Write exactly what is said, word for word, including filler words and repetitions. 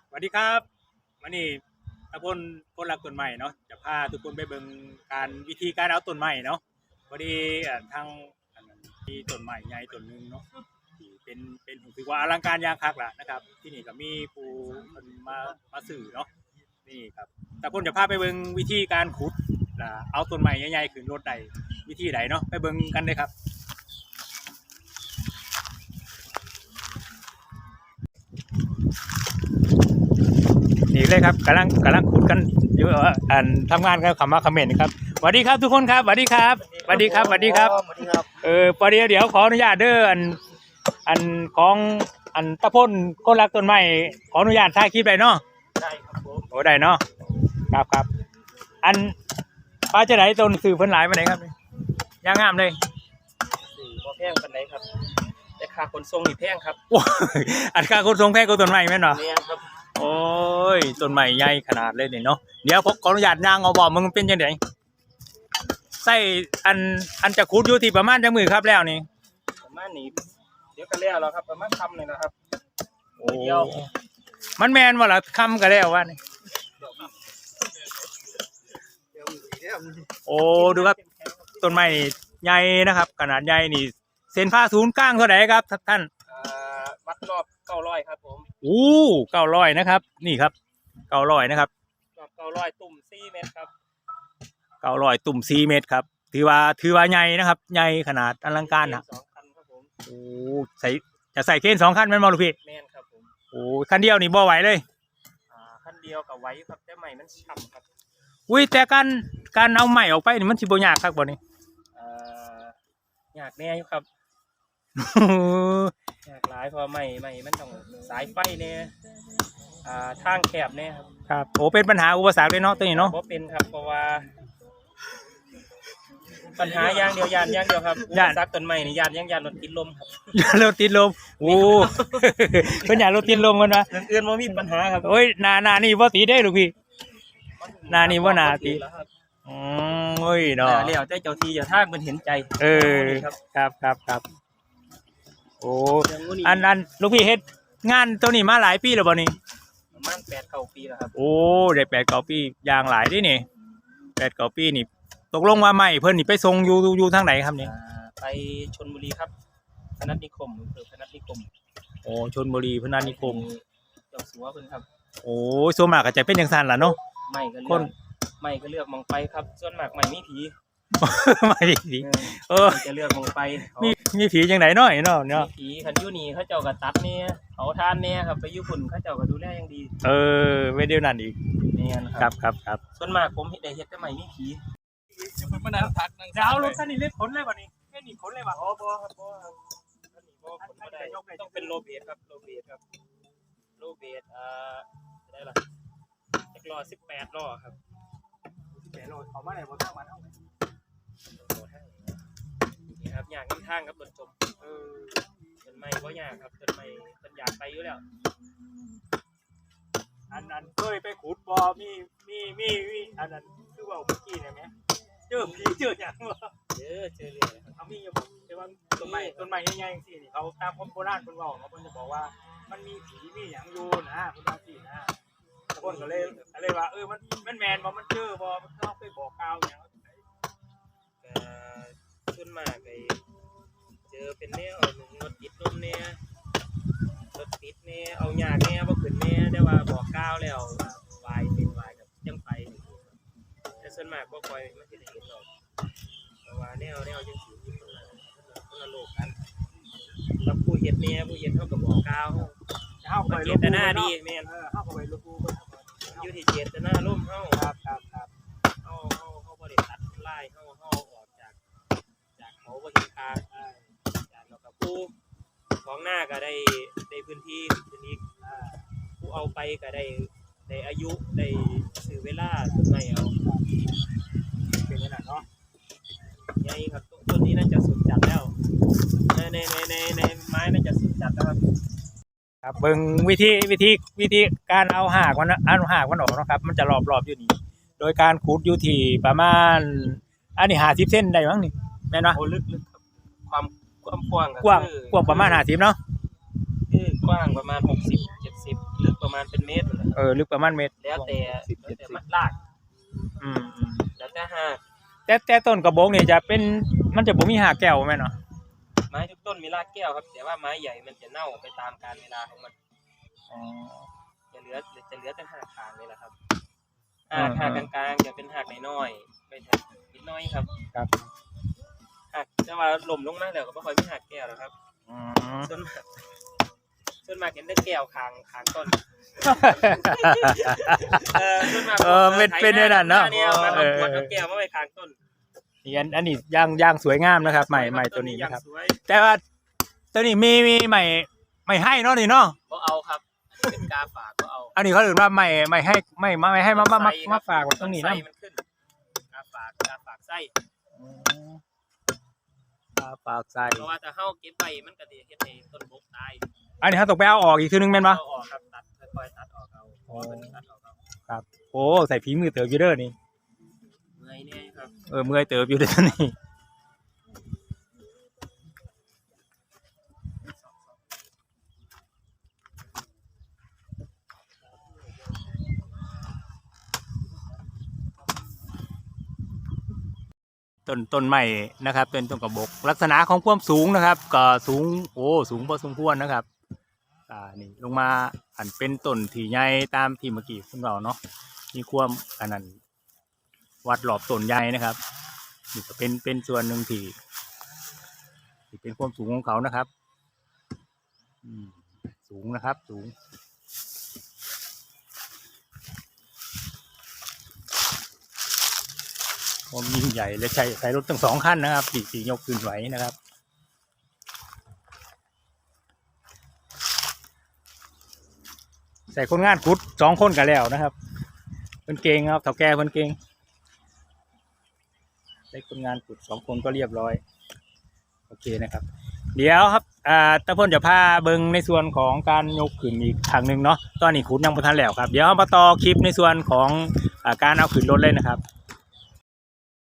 สวัสดีครับวันนี้ตะพลคนรักต้นไม้เนาะจะพาทุกคนไปเบิ่งการวิธีการเอาต้นไม้เนาะพอดีอ่าทางอันนั้นมีต้นไม้ใหญ่ต้นหนึงเนาะที่เป็นเป็นถือว่าอลังการอย่างคักล่ะนะครับ ที่นี่ก็มีผู้คนมามาสื่อเนาะนี่ครับตะพลจะพาไปเบิ่งวิธีการขุดล่ะเอาต้นไม้ใหญ่ๆขึ้นรถได้วิธีใดเนาะไปเบิ่งกันเลยครับ นี่เลยครับกำลังกำลังขุดกันอยู่อ่านทำงานกันคำว่าคอมเมนต์ครับสวัสดีครับทุกคนครับสวัสดีครับสวัสดีครับสวัสดีครับสวัสดีครับเออประเดี๋ยวเดี๋ยวขออนุญาตเด้ออันอันของอันตะพ่นคนรักต้นไม้ขออนุญาตถ่ายคลิปได้เนาะได้ครับผมโอ้ได้เนาะครับครับอันป้าจะไหนต้นสื่อเพิ่นหลายมาไหนครับย่างงามเลยสื่อพอแพงเป็นไหนครับแต่ค่าขนส่งนี่แพงครับโอ้อันค่าขนส่งแพงกว่าต้นไม้แม่นเนาะแพงครับโอ้ยต้นไม้ใหญ่ขนาดเลยนี่เนาะเดี๋ยวขออนุญาตย่างเอาบอกมึงเป็นจังได๋ใส่อันอันจะขุดอยู่ที่ประมาณจังมือครับแล้วนี่ประมาณนี้เดี๋ยวก็แล้วแล้วครับประมาณคำเลยนะครับโอ้เดียวมันแมนว่าล่ะคำก็แล้วว่านี่โอ้ดูครับต้นไม้ใหญ่นะครับขนาดใหญ่นี่เส้นผ่าศูนย์กลางเท่าไหร่ครับท่านวัดรอบเก้าร้อยครับผมโอ้เก้าร้อยนะครับนี่ครับเก้าร้อยนะครับรอบเก้าร้อยตุ่มสี่เมตรครับเก้าร้อยตุ่มสี่เมตรครับถือว่าถือว่าใหญ่นะครับใหญ่ขนาดอลังการนะสองคันครับผมโอ้ใส่จะใส่เคนสองคันแม่นบ่ลูกพี่แม่นครับผมโอ้คันเดียวนี่บ่ไหวเลยอ่าคันเดียวกับไว้ครับแต่ใหม่มันฉ่ำครับอุ้ยแต่การการเอาใหม่ออกไปนี่มันสิบ่ยากครับบ่นี่อ่ายากแน่อยู่ครับยากหลายพอใหม่ใหม่มันต้องสายไฟเนี่ยอ่าทางแคบเนี่ยครับครับโอ้เป็นปัญหาอุปสรรคเลยเนาะตัวนี้เนาะบ่เป็นครับเพราะว่าปัญหาอย่างเดียวยานอย่างเดียวครับยานซักต้นไม้นี่ยานยังยานรถติดลมครับยานรถติดลมโอ้เพิ่นยานรถติดลมกันวะเรื่องอื่นบ่มีปัญหาครับโอ้ยหน้าหน้านี่บ่ติดได้ลูกพี่หน้านี่บ่น่าติดอืมโอ้ยเนาะแล้วแต่เจ้าที่เจ้าทางเพิ่นเห็นใจเออครับครับครับโอ้อันอันลูกพี่เฮ็ดงานตัวนี้มาหลายปีแล้วบ่นี่ประมาณแปดเก้าปีแล้วครับโอ้ได้แปดเก้าปีอย่างหลายเด้นี่แปดเก้าปีนี่ตกลงว่าไม่เพิ่นนี่ไปส่งอยู่อยู่ทางไหนครับนี่ไปชลบุรีครับพนัสนิคมอำเภอพนัสนิคมโอ้ชลบุรีพนัสนิคมเจ้าสัวเพิ่นครับโอ้ส่วนมากก็จะเป็นจังซั่นล่ะเนาะไม่ก็เลือกไม่ก็เลือกมองไปครับส่วนมากไม่มีผีไม่มีผีเออจะเลือกมองไปมีมีผีจังได๋เนาะเนาะเนาะผีคันอยู่นี่เขาเจ้าก็ตัดเนี่ยเขาทานเนี่ยครับไปอยู่พุ่นเขาเจ้าก็ดูแลอย่างดีเออไว้เดี๋ยวนั้นอีกแม่นครับครับครับส่วนมากผมเฮ็ดได้เฮ็ดแต่ไม่มีผีจะเพิ่นมานั่งพักนั่งเอารถคันนี้เล็ดผลเลยบ่นี่แม่นี่ผลเลยบ่อ๋อบ่ครับบ่ครับอันนี้บ่ผลบ่ได้ต้องเป็นโลเบสครับโลเบสครับโลเบสอ่าได้ล่ะจักรล้อสิบแปดล้อครับสิบแปดล้อเข้ามาได้บ่ทางบ้านเฮานี่ครับอย่างนี้ทางครับรถจมเออต้นไม้บ่ยากครับต้นไม้ต้นอยากไปอยู่แล้วอันนั้นเคยไปขุดบ่มีมีมีอันนั้นคือว่าเมื่อกี้เนี่ยแม่เจอผีเจอหยังบ่เจอเจอเรื่อยครับเขามีอยู่แต่ว่าต้นไม้ต้นไม้ใหญ่ๆจังซี่นี่เขาตามคนโบราณเพิ่นเว้าเนาะเพิ่นจะบอกว่ามันมีผีมีหยังอยู่นะเพิ่นว่าซี่นะเพิ่นก็เลยก็เลยว่าเออมันมันแม่นบ่มันเจอบ่มันเขาเคยบอกกล่าวหยังก็ส่วนมากไอ้เจอเป็นแนวรถติดลมเนี่ยรถติดเนี่ยเอาหยาเนี่ยบ่ขึ้นเนี่ยแต่ว่าบอกกล่าวแล้ววายเป็นวายกับจังไปแต่ส่วนมากบ่ค่อยมันสิได้เห็นหรอกเพราะว่าแนวแนวจังซี่คนละคนละโลกกันแล้วผู้เฮ็ดเนี่ยผู้เฮ็ดเฮาก็บอกกล่าวเฮาเจตนาดีแม่นเออเฮาก็ไปรู้อยู่ที่เจตนาร่มเฮาครับครับครับเฮาเฮาเฮาบ่ได้ตัดลายเฮาเฮาออกจากจากเขาบ่เห็นค่าจากแล้วก็ผู้ของหน้าก็ได้ได้พื้นที่พื้นที่อ่าผู้เอาไปก็ได้ได้อายุได้ซื้อเวลาต้นไม้เอาเป็นจังนั้นเนาะใหญ่ครับต้นนี้น่าจะสุดจัดแล้วในในในในในไม้น่าจะสุดจัดแล้วครับครับเบิ่งวิธีวิธีวิธีการเอาหากมันเอาหากมันออกนะครับมันจะรอบๆอยู่นี่โดยการขุดอยู่ที่ประมาณอันนี้ห้าสิบเซนได้มั้งนี่แม่นบ่โอ้ลึกๆครับความความกว้างกว้างกว้างประมาณห้าสิบเนาะคือกว้างประมาณหกสิบ เจ็ดสิบลึกประประมาณเป็นเมตรนั่นแหละเออลึกประมาณเมตรแล้วแต่สิบแล้วเจ็ดแต่สิบมัดลากอืมอืมแล้วแต่หากแต่แต่ต้นกระบอกนี่จะเป็นมันจะบ่มีหากแก้วแม่นเนาะไม้ทุกต้นมีรากแก้วครับ แต่ว่าไม้ใหญ่มันจะเน่าไปตามกาลเวลาของมันอ๋อจะเหลือจะเหลือแต่หากขางเลยแหละครับหากหากกลางๆจะเป็นหากน้อยๆไม่ถึงนิดน้อยครับครับหากจะว่าหล่มลงมาแล้วก็ไม่ค่อยมีหากแก้วหรอกครับอืมส่วนมากส่วนมากเห็นแต่แก้วคางคางต้น เออส่วนมากเออเป็นเป็นได้นั่นเนาะเนี่ยมันเอเอาอขวดเอาแก้วมาไว้คางต้นนี่อันอันนี้ย่างย่างสวยงามนะครับใหม่ใหม่ตัวนี้นะครับสวยแต่ว่าตัวนี้มีมีใหม่ใหม่ให้เนาะนี่เนาะก็เอาครับเป็นกาฝากก็เอาอันนี้เขาเรียกว่าใหม่ใหม่ให้ไม่ไม่ให้มามามามาฝากไว้ตรงนี้นะไส้มันขึ้นกาฝากกาฝากไส้ฝากใส่เพราะว่าถ้าเฮาเก็บไว้มันก็สิเฮ็ดให้ต้นบกตายอันนี้เขาต้องไปเอาออกอีกทีนึงแม่นปะเอาออกครับตัดค่อยๆตัดออกเอาอ๋อตัดออกเอาครับโอ้ใส่ฝีมือเติบอยู่เด้อนี่เมื่อยเนี่ยครับเออเมื่อยเติบอยู่เด้อนี่ต้นต้นใหม่นะครับเป็นต้นกระบอกลักษณะของความสูงนะครับก็สูงโอ้สูงพอสมควรนะครับอ่านี่ลงมาอันเป็นต้นที่ใหญ่ตามที่เมื่อกี้คุณเราเนาะมีความอันนั้นวัดหลอบต้นใหญ่นะครับนี่ก็เป็นเป็นส่วนหนึ่งที่ที่เป็นความสูงของเขานะครับอืมสูงนะครับสูงความยิ่งใหญ่และใช้ใช้รถทั้งสองคันนะครับที่ที่ยกขึ้นไหวนะครับใส่คนงานขุดสองคนกันแล้วนะครับเพิ่นเก่งครับเฒ่าแก่เพิ่นเก่งใส่คนงานขุดสองคนก็เรียบร้อยโอเคนะครับเดี๋ยวครับอ่าตะพลจะพาเบิ่งในส่วนของการยกขึ้นอีกครั้งหนึ่งเนาะตอนนี้ขุดยังบ่ทันแล้วครับเดี๋ยวมาต่อคลิปในส่วนของอ่าการเอาขึ้นรถเลยนะครับ